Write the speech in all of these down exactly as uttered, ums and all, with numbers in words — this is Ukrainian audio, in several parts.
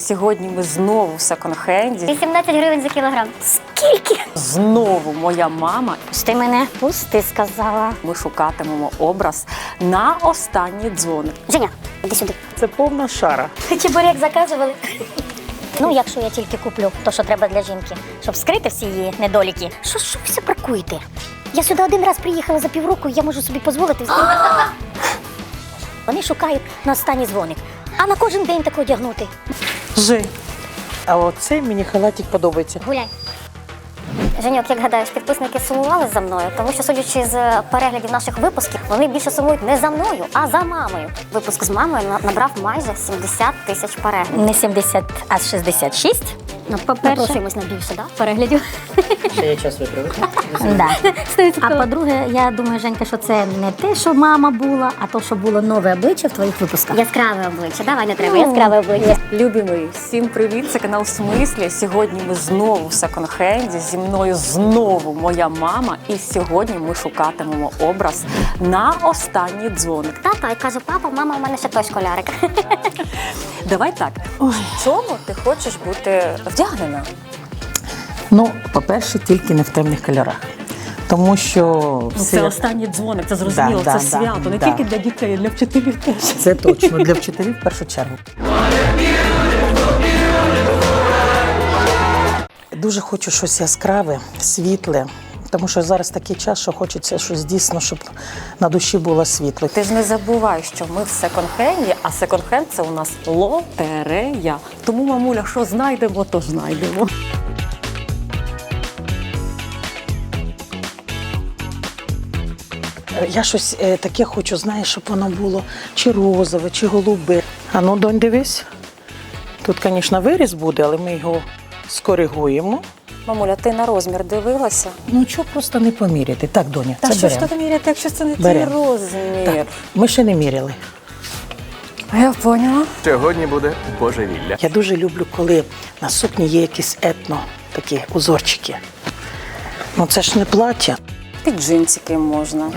Сьогодні ми знову в секонд-хенді. вісімнадцять гривень за кілограм. Скільки? Знову моя мама. Ти мене пусти, сказала. Ми шукатимемо образ на останній дзвоник. Женя, іди сюди. Це повна шара. Чебурек заказували. Ну, якщо я тільки куплю то, що треба для жінки, щоб скрити всі її недоліки. Що, що ви все паркуєте? Я сюди один раз приїхала за півроку, і я можу собі дозволити. Вони шукають на останній дзвоник, а на кожен день таке одягнути. Жи. А оцей мені халатик подобається. Гуляй. Женьок, як гадаєш, підписники сумували за мною, тому що, судячи з переглядів наших випусків, вони більше сумують не за мною, а за мамою. Випуск з мамою набрав майже сімдесят тисяч переглядів. Не сімдесят, а шістдесят шість. Ну, по-перше, напросимось на більше, да? Переглядів. Ще є час виправити. Да. А по-друге, я думаю, Женька, що це не те, що мама була, а то, що було нове обличчя в твоїх випусках. Яскраве обличчя, давай не треба, яскраве обличчя. Любі мої, всім привіт, це канал «В смислі». Сьогодні ми знову в секонд-хенді, зі мною знову моя мама. І сьогодні ми шукатимемо образ на останній дзвоник. Тато, і каже, папа, мама, у мене ще той школярик. Давай так, в чому ти хочеш бути вдягнена? Ну, по-перше, тільки не в темних кольорах. Тому що Ну, все- це останній дзвоник, це зрозуміло, Да, це да, свято, не да. тільки для дітей, а для вчителів теж. це точно для вчителів в першу чергу. Дуже хочу щось яскраве, світле. Тому що зараз такий час, що хочеться щось дійсно, щоб на душі було світло. Ти ж не забувай, що ми в секонд-хенді, а секонд-хенд – це у нас лотерея. Тому, мамуля, що знайдемо, то знайдемо. Я щось е, таке хочу, знаєш, щоб воно було чи розове, чи голубе. А ну, донь, дивись. Тут, звісно, виріз буде, але ми його скоригуємо. Мамуля, ти на розмір дивилася? Ну, чого просто не поміряти? Так, доня, Та це що ж беремо. тут міряти, якщо це не твій Беремо. розмір? Так, ми ще не міряли. Я поняла. Сьогодні буде божевілля. Я дуже люблю, коли на сукні є якісь етно, такі узорчики. Ну, це ж не плаття. Під джинсики можна.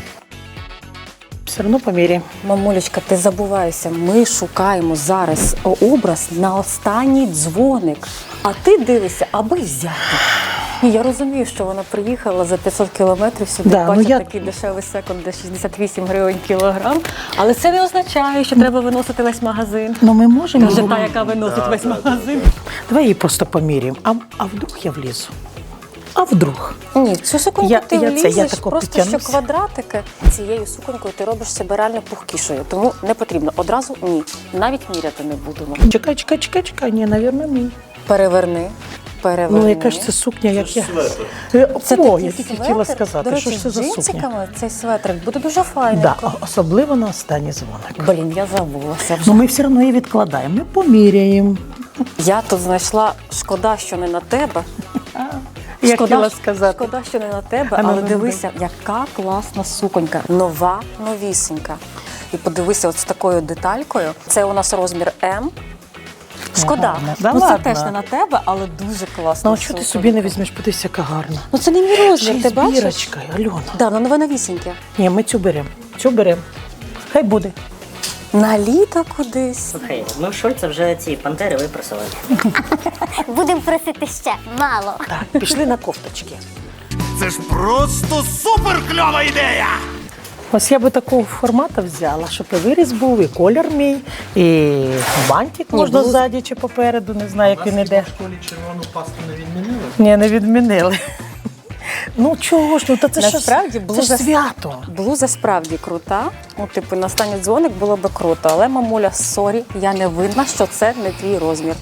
Все одно поміряємо. Мамулечка, ти забуваєшся, ми шукаємо зараз образ на останній дзвоник. А ти дивишся, аби взяти. Ні, я розумію, що вона приїхала за п'ятсот кілометрів сюди, Да, ну бачить я- такий дешевий секонд, де шістдесят вісім гривень кілограм. Але це не означає, що треба виносити весь магазин. Ну, ми можемо. Каже його- та, яка виносить весь магазин. Давай її просто поміряємо. А, а вдруг я влізу? А вдруг? Ні, в цю суконьку Я- ти я це, я влізеш, тако просто що підтягнусь. квадратики. Цією суконькою ти робиш себе реально пухкішою, тому не потрібно. Одразу ні, навіть міряти не будемо. Чекай, чекай, чекай, чекай. Ні, навірно, мій. Переверни, переверни. Ну, яка ж це сукня, як я. Е, Це О, такий я тільки светр. хотіла сказати, До речі, що ж це з за сукня. джинсиками цей светрик буде дуже файненько. Да, а- особливо на останній дзвоник. Блін, я забулася вже. Ну, ми все одно її відкладаємо. Ми поміряємо. Я тут знайшла, шкода, що не на тебе. Я Шкода, хотіла сказати. Шкода, що не на тебе, А ну, але ну, дивися, яка класна суконька. Нова, новісенька. І подивися, от з такою деталькою. Це у нас розмір М. Шкода. Гарно. Да ну, це ладно. теж не на тебе, але дуже класно. Ну, а що ти собі не візьмеш? Подивися, яка гарна. Ну це не мій Ще розмір, й ти з бачиш? бірочкою, Альона. Да, ну нове новісіньке. Ні, ми цю беремо. Цю беремо. Хай буде. На літо кудись. Слухай, ми в Шольца вже ці пантери випросили. Будемо просити ще, мало. Так, пішли на кофточки. Це ж просто супер кльова ідея! Ось я би такого формату взяла, щоб і виріз був, і колір мій, і бантик можна блуз- ззаді чи попереду, не знаю, як він іде. В школі червону пасту не відмінили? Ні, не відмінили. Ну чого ж, ну та це ж Насправді, це блуза- ж свято. Блуза справді крута. Ну, типу, на останній дзвоник було би круто. Але, мамуля, сорі, я не винна, що це не твій розмір.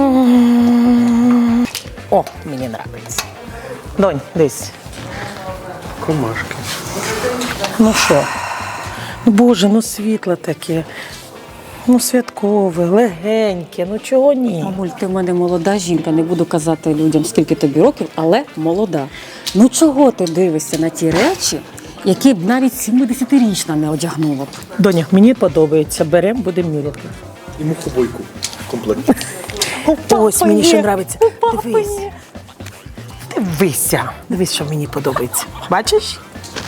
О, мені подобається. Донь, дивись. Комашки. Ну що? Ну, Боже, ну світло таке. Ну, святкове, легеньке, ну чого ні? Мамуль, ти в мене молода жінка, не буду казати людям, скільки тобі років, але молода. Ну чого ти дивишся на ті речі, які б навіть сімдесятирічна не одягнула б? Доня, мені подобається, беремо, будемо міряти. І мухобойку в комплекті. Ось мені ще є, подобається. у папи Дивись. є. Дивися. Дивись, що мені подобається. Бачиш?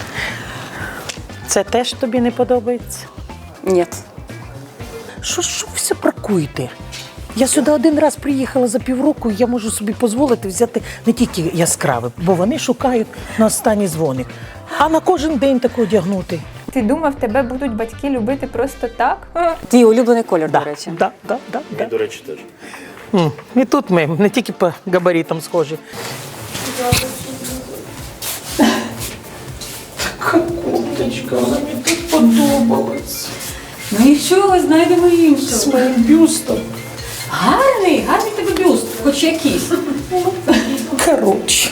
Це теж тобі не подобається? Ні. Що, що ви все паркуєте? Я сюди один раз приїхала за півроку, і я можу собі дозволити взяти не тільки яскраве, бо вони шукають на останній дзвоник, а на кожен день таке одягнути. Ти думав, тебе будуть батьки любити просто так? Твій улюблений колір, до речі. Да, да, да, да. До речі, теж. М, І тут ми не тільки по габаритам схожі. Курточка, вона мені тут подобалась. Ну нічого, знайдемо іншого. Своїм бюстом. Гарний, гарний тебе бюст, хоч якийсь. Коротше.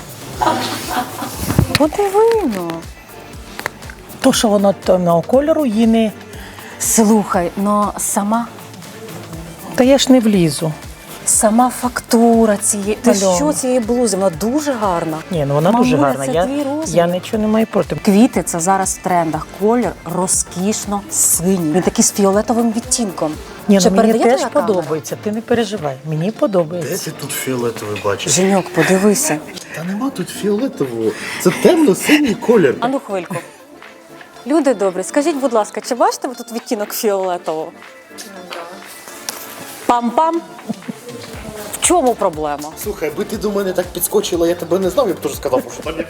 Подивино. То, що воно темного кольору, її не... Слухай, ну сама, Та я ж не влізу. сама фактура цієї. Ти Альона. що цієї блузи? Вона дуже гарна. Ні, ну вона дуже Мамуля, гарна. це Я, твій розмір. я нічого не маю проти. Квіти це зараз в трендах. Колір розкішно синій. Він такий з фіолетовим відтінком. Ні, Чи ну мені передає теж твоя камера? подобається, ти не переживай. Мені Де подобається. ти тут фіолетовий бачиш? Женьок, подивися. Та нема тут фіолетового. Це темно-синій колір. Ану хвильку. Люди добрі, скажіть, будь ласка, чи бачите ви тут відтінок фіолетового? Пам-пам. В чому проблема? Слухай, аби ти до мене так підскочила, я тебе не знав, я б теж сказав, що там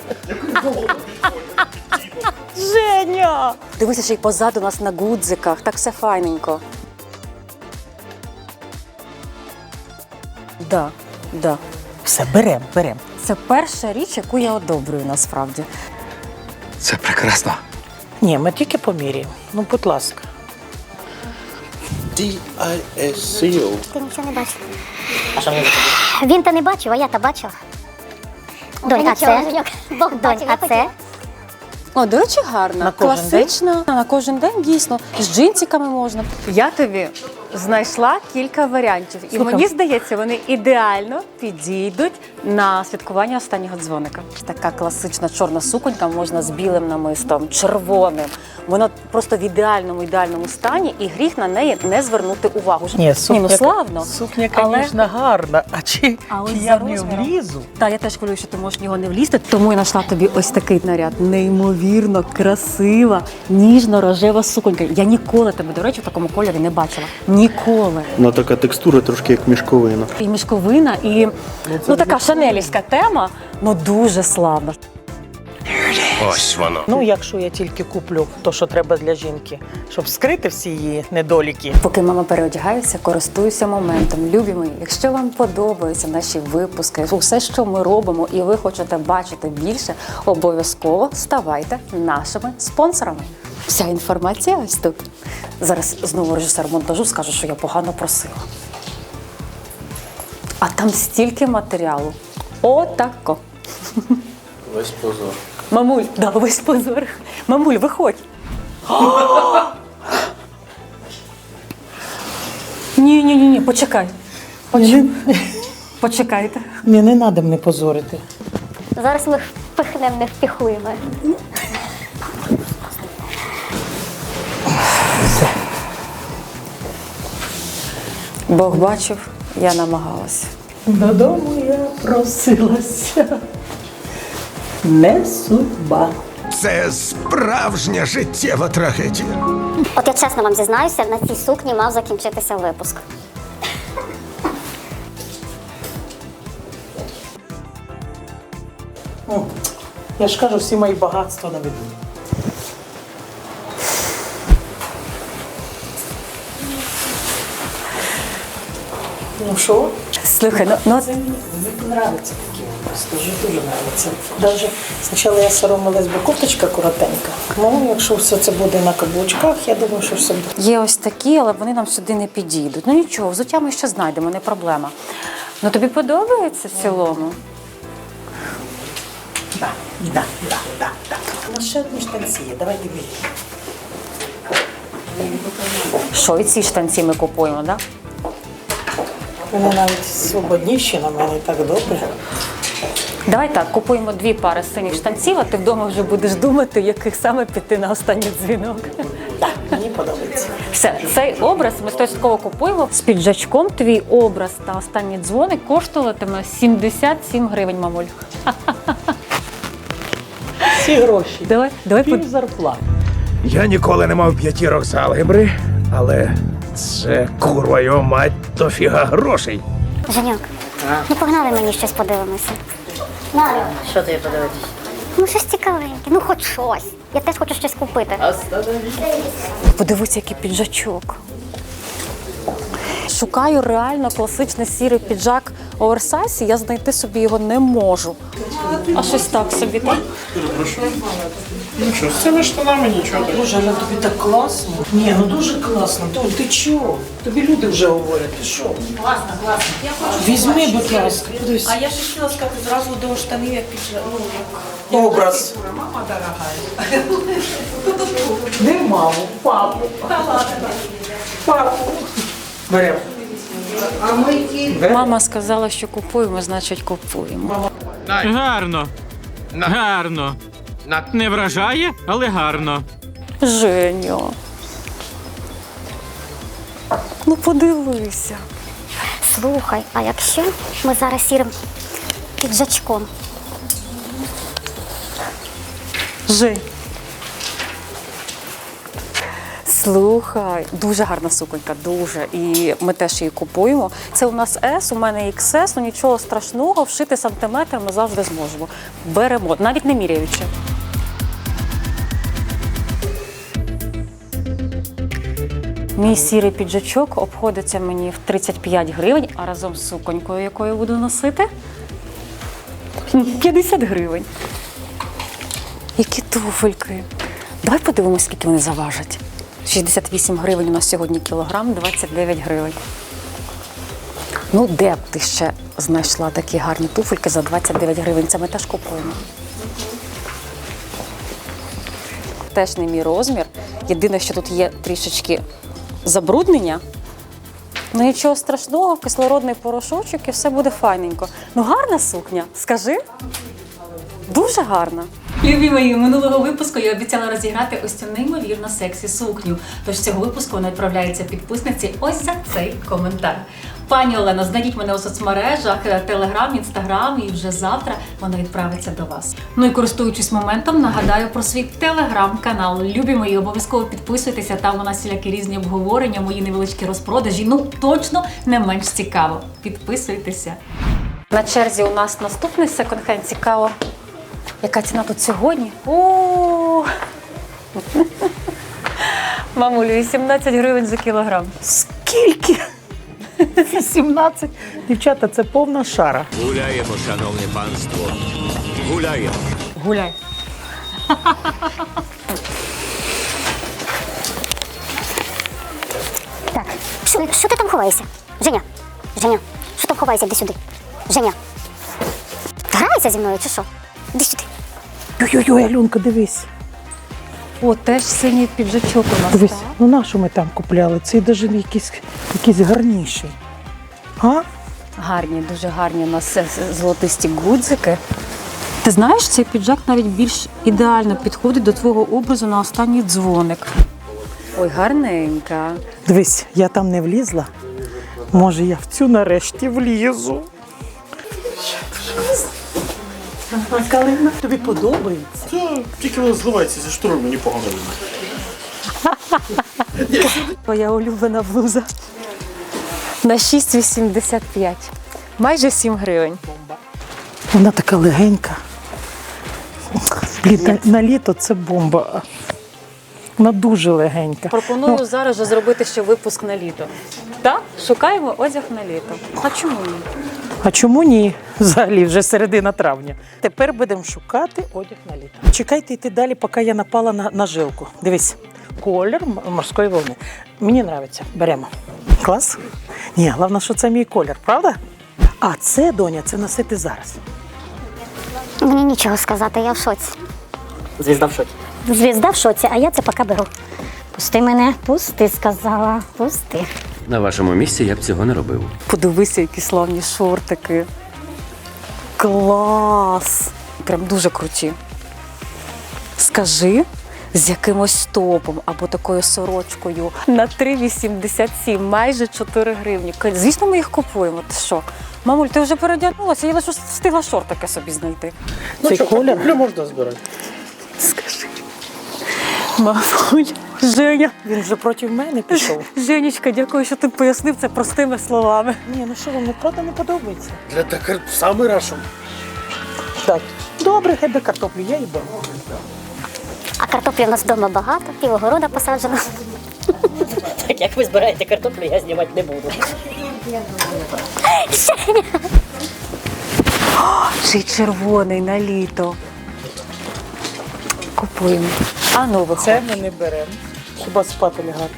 Женя! Дивися, ще й позаду нас на гудзиках, так все файненько. Да, да. Все, берем, берем. Це перша річ, яку я одобрюю насправді. Це прекрасно. Ні, ми тільки поміряємо. Ну, будь ласка. ді ай ес сі о. Ти нічого не бачив. А що мені за Він та не бачив, а я та бачила. Донь, а це? Донь, а це? О, до речі, гарна. На кожен Класична. На кожен день, дійсно. З джинсиками можна. Я тобі знайшла кілька варіантів. І Слухай. мені здається, вони ідеально підійдуть на святкування останнього дзвоника. Така класична чорна суконька можна з білим намистом, червоним. Вона просто в ідеальному, ідеальному стані, і гріх на неї не звернути увагу. Ні, сукня, ну славно. Сукня, Але- звісно, гарна. А чи, А ось чи за я в нього розміром? влізу? Так, я теж хвилюю, що ти можеш в нього не влізти, тому я знайшла тобі ось такий наряд. Неймовірно красива, ніжно-рожева суконька. Я ніколи тебе, до речі, в такому кольорі не бачила. Ніколи. Ну така текстура трошки як мішковина. І мішковина, і ну, така шанелівська тема, ну дуже славна. Ось воно. Ну, якщо я тільки куплю то, що треба для жінки, щоб скрити всі її недоліки. Поки мама переодягається, користуюся моментом. Любі мої, якщо вам подобаються наші випуски, усе, що ми робимо, і ви хочете бачити більше, обов'язково ставайте нашими спонсорами. Вся інформація ось тут. Зараз знову режисер монтажу скаже, що я погано просила. А там стільки матеріалу. Отако. Весь позор. Мамуль, да, весь позор. Мамуль, виходь. Ні, ні, ні, ні, почекай. Поч- Почекайте. Ні, не треба мене позорити. Зараз ми впихнемо невпіхуємо. Бог бачив, я намагалася. Додому я просилася. Не судьба. Це справжня життєва трагедія. От я чесно вам зізнаюся, на цій сукні мав закінчитися випуск. М, Я ж кажу, всі мої багатства на виду. Ну що? Слухай, ну, ну Це мені, мені подобається такі образи, дуже дуже подобається. Навіть спочатку я соромилась, бо кофточка коротенька. Ну, якщо все це буде на каблучках, я думаю, що все буде. є ось такі, але вони нам сюди не підійдуть. Ну нічого, взуття ми ще знайдемо, не проблема. Ну тобі подобається в цілому? Так, так, так, так, так. У нас ще одні штанці є, давай дивись. Що і ці штанці ми купуємо, так? Да? Вони навіть свободніші на мене, так добре. Давай так, купуємо дві пари синіх штанців, а ти вдома вже будеш думати, яких саме піти на останній дзвінок. Так, мені подобається. Все, цей образ ми стовідсотково купуємо. З піджачком твій образ та останній дзвоник коштуватиме сімдесят сім гривень, мамуль. Всі гроші. Давай, давай Пів под... зарплати. Я ніколи не мав п'ятірок з алгебри, але Це курва його мать, то фіга грошей. Женьок, ну погнали мені щось подивимося. Надо. Що тобі подивитись? Ну щось цікавеньке, ну хоч щось. Я теж хочу щось купити. Подивися, який піджачок. Шукаю реально класичний сірий піджак оверсайз, і я знайти собі його не можу. А щось так собі, так? Ну що, з цими штанами нічого. Боже, але тобі так класно. Ні, ну дуже класно. Толь, ти чого? Тобі люди вже говорять, ти що? Класно, класно. Я хочу Візьми, будь ласка, подивись. А я ж хотіла сказати зразу до штанів, як під ну, як Образ. мама дорога. Не маму, папу. Папу. Беремо. Мама сказала, що купуємо, значить купуємо. Гарно. Гарно. Не вражає, але гарно. Женю. Ну подивися. Слухай, а якщо ми зараз сірим піджачком? Жень. Слухай, дуже гарна суконька, дуже. І ми теж її купуємо. Це у нас С, у мене ікс ес, ну нічого страшного, вшити сантиметр ми завжди зможемо. Беремо, навіть не міряючи. Мій сірий піджачок обходиться мені в тридцять п'ять гривень, а разом з суконькою, якою буду носити, п'ятдесят гривень. Які туфельки. Давай подивимось, скільки вони заважать. шістдесят вісім гривень у нас сьогодні кілограм, двадцять дев'ять гривень. Ну, де б ти ще знайшла такі гарні туфельки за двадцять дев'ять гривень? Це ми теж купуємо. Теж не мій розмір. Єдине, що тут є трішечки забруднення. Ну нічого страшного, кислородний порошочок і все буде файненько. Ну гарна сукня, скажи. Дуже гарна. Любі мої, минулого випуску я обіцяла розіграти ось цю неймовірно сексі сукню. Тож з цього випуску вона відправляється підписниці ось за цей коментар. Пані Олено, знайдіть мене у соцмережах, Телеграм, Інстаграм, і вже завтра вона відправиться до вас. Ну і користуючись моментом, нагадаю про свій Телеграм-канал. Любі мої, обов'язково підписуйтеся, там у нас всілякі різні обговорення, мої невеличкі розпродажі. Ну, точно не менш цікаво. Підписуйтеся. На черзі у нас наступний секонд-хенд. Цікаво, яка ціна тут сьогодні? О! Мамулю, вісімнадцять гривень за кілограм. Скільки? вісімнадцять. Дівчата, це повна шара. Гуляємо, шановне панство. Гуляємо. Гуляй. Так, що, що ти там ховаєшся? Женя, Женя, що там ховаєшся? Іди сюди. Женя. Граєшся зі мною чи що? Іди сюди. Ой-ой-ой, Альонка, дивись. О, теж синій піджачок у нас. Дивись, так? ну на що ми там купляли? Цей навіть якийсь, якийсь гарніший. А? Гарні, дуже гарні у нас е, золотисті гудзики. Ти знаєш, цей піджак навіть більш ідеально підходить до твого образу на останній дзвоник. Ой, гарненька. Дивись, я там не влізла. Може, я в цю нарешті влізу. А Калина, тобі подобається? Та тільки воно зливається зі штори, мені погано видно. Твоя улюблена блуза. На шість вісімдесят п'ять. Майже сім гривень. Вона така легенька. Блін, на, на літо це бомба. Вона дуже легенька. Пропоную Ну, зараз же зробити ще випуск на літо. Так? Шукаємо одяг на літо. А чому ні? а чому ні? Взагалі вже середина травня. Тепер будемо шукати одяг на літо. Чекайте йти далі, поки я напала на, на жилку. Дивись, колір м- морської волни. Мені подобається. Беремо. Клас? Ні, головне, що це мій колір, правда? А це, доня, це носити зараз. Мені нічого сказати, я в шоці. Звізда в шоці. Звізда в шоці, а я це поки беру. Пусти мене, пусти, сказала, пусти. На вашому місці я б цього не робив. Подивися, які славні шортики. Клас! Прям дуже круті. Скажи, з якимось топом або такою сорочкою на три вісімдесят сім, майже чотири гривні. Звісно, ми їх купуємо. Ти що? Мамуль, ти вже переодягнулася, я лише встигла шортики собі знайти. Цей колір. Куплю можна збирати. Скажи. Мамуль, Женя, Він вже проти мене пішов. Женечка, дякую, що ти пояснив це простими словами. Ні, ну що, вам не правда не подобається? Для таких самий раз. Так. Добре, тебе картоплю, я їм беру. А картоплі в нас вдома багато, пів огорода посаджено. Так як ви збираєте картоплю, я знімати не буду. Ще й червоний на літо. Купуємо. А ну виходь. Це ми не беремо. Хіба спати лягати.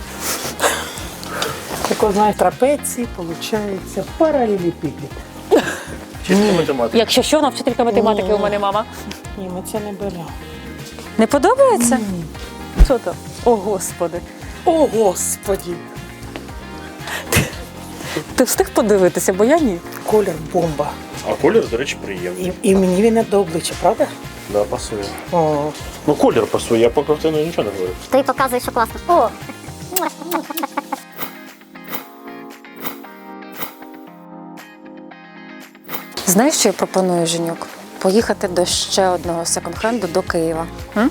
Так, знаєш, трапеції, виходить, паралелепіпед. Чисто математика. Якщо що, вона вчителька математики у мене мама. Ні, ми це не беремо. Не подобається? Що там? О, Господи. О, Господі! Ти встиг подивитися, бо я ні. Колір бомба. А колір, до речі, приємний. І, і мені він не до обличчя, правда? Да, пасує. О, Ну, колір пасує, я по картину нічого не говорю. Ти показуєш, що класно. О! Знаєш, що я пропоную, Женюк? Поїхати до ще одного секонд-хенду до Києва. М?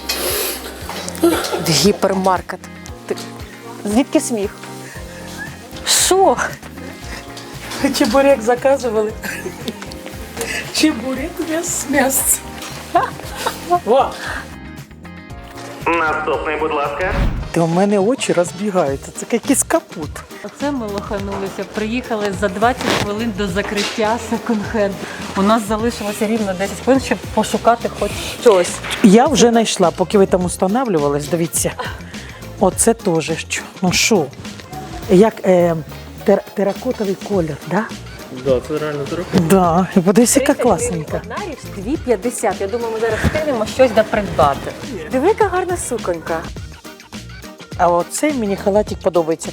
В гіпермаркет. Ти... Звідки сміх? Що? чебурек заказували. Чебурек без м'яса. Во! Наступний, будь ласка. Та у мене очі розбігаються, це якийсь капут. Оце ми лоханулися. Приїхали за двадцять хвилин до закриття секонд-хенду. У нас залишилося рівно десять хвилин, щоб пошукати хоч щось. Я вже знайшла, поки ви там устанавливались, дивіться. Оце теж що. Ну що? Як е, тер, теракотовий колір, да? Да, це реально дорого. Да. І подивись, яка класненька. Одна річ дві п'ятдесят. Я думаю, ми зараз встигнемо щось допридбати. Диви, яка гарна суконька. А оцей мені халатик подобається.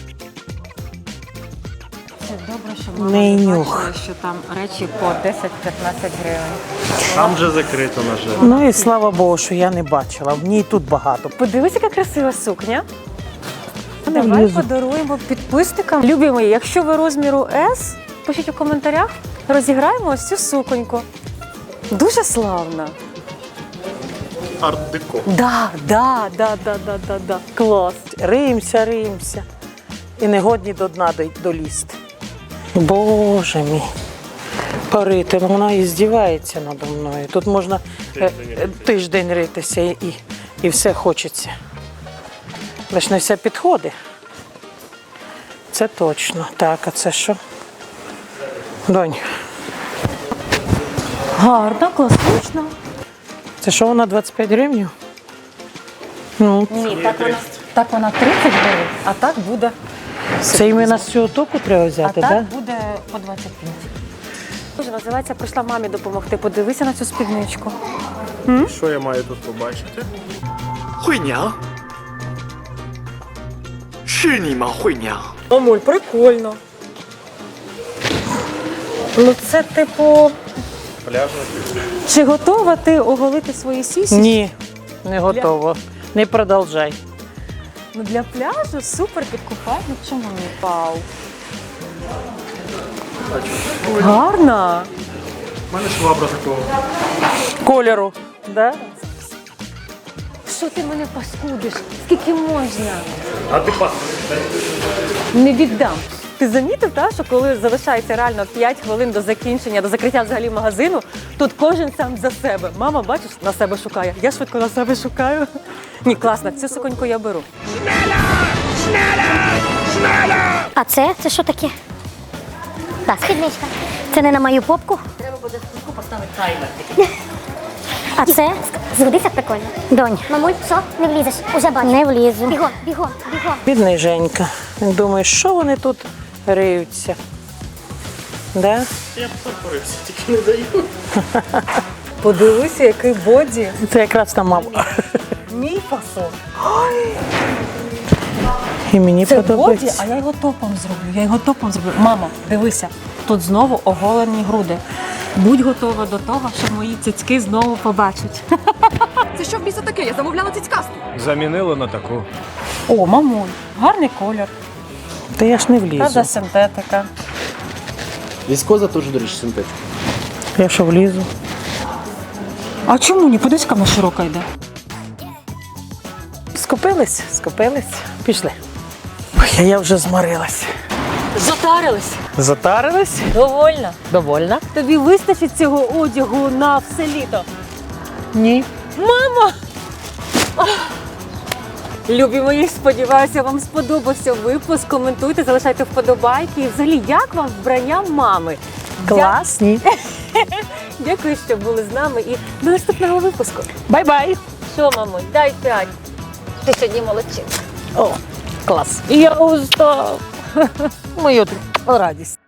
Це добре, що мама Не не нюх. бачила, що там речі по десять-п'ятнадцять гривень. Там вже закрито, на жаль. Ну і слава Богу, що я не бачила. В ній тут багато. Подивись, яка красива сукня. Не Давай влізу. подаруємо підписникам. Любі мої, якщо ви розміру С, пишіть у коментарях, розіграємо ось цю суконьку. Дуже славна. Арт-деко. Да, да, да, да, да, да, да. Клас. Риємося, риємося. І не годні до дна дой- долізти. Боже мій. Парити, ну вона і здівається надо мною. Тут можна е, е, тиждень ритися і, і, і все хочеться. Лиш не все підходить. Це точно. Так, а це що? Донь, Гарна, класична. це що вона двадцять п'ять гривень? Ну, Ні, так вона, так вона тридцять гривень, а так буде. це іменно з цього току треба А взяти, так так? буде по двадцять п'ять. Дуже називається, прийшла мамі допомогти. Подивися на цю спідничку. Що я маю тут побачити? 惠娘，是你吗，惠娘？ Мамуль, прикольно. Ну це типу. Пляжна. Чи готова ти оголити свої сісі? Ні, не готово. Не продовжай. Ну для пляжу супер під купальник. Чому ні? Вау. Гарна. У мене швабра такого. Кольору, да? Що ти мене паскудиш? Скільки можна? А ти пас. Не віддам. Ти замітив, так, що коли залишається реально п'ять хвилин до закінчення, до закриття взагалі магазину, тут кожен сам за себе. Мама, бачиш, на себе шукає. Я швидко на себе шукаю. Ні, класно, цю суконьку я беру. А це? Це що таке? Так, спідничка. Це не на мою попку. Треба буде поставити таймер. А це? Згодиться прикольно. Донь. Мамуль, що? Не влізеш? Уже бачу. Не влізу. Бігом, бігом, бігом. Бідний Женька. Він думає, що вони тут риються. Да? Я б запорився, тільки не даю. Подивися, який боді. Це якраз там мама. Мій фасон. І мені Це боді, подобається. а я його топом зроблю. Я його топом зроблю. Мама, дивися, тут знову оголені груди. Будь готова до того, що мої цицьки знову побачать. Це що в біса таке? Я замовляла цицькасту. Замінили на таку. О, мамуль, гарний колір. Та я ж не влізу. Правда, синтетика. Віскоза теж, до речі, синтетика. Я що влізу? А чому ні? Подивись, яка вона широка йде. Скупились? Скупились. Пішли. Ой, я вже зморилась. Затарились. Затарились? Довольно. Довольна? Тобі вистачить цього одягу на все літо? Ні. Мамо! Любі мої, сподіваюся, вам сподобався випуск. Коментуйте, залишайте вподобайки. І взагалі, як вам вбрання мами? Класні. Дякую, що були з нами. І до наступного випуску. Бай-бай. Що, мамо, дай п'ять. Ти сьогодні молодчинка. О, клас. Я устав. Мою радість.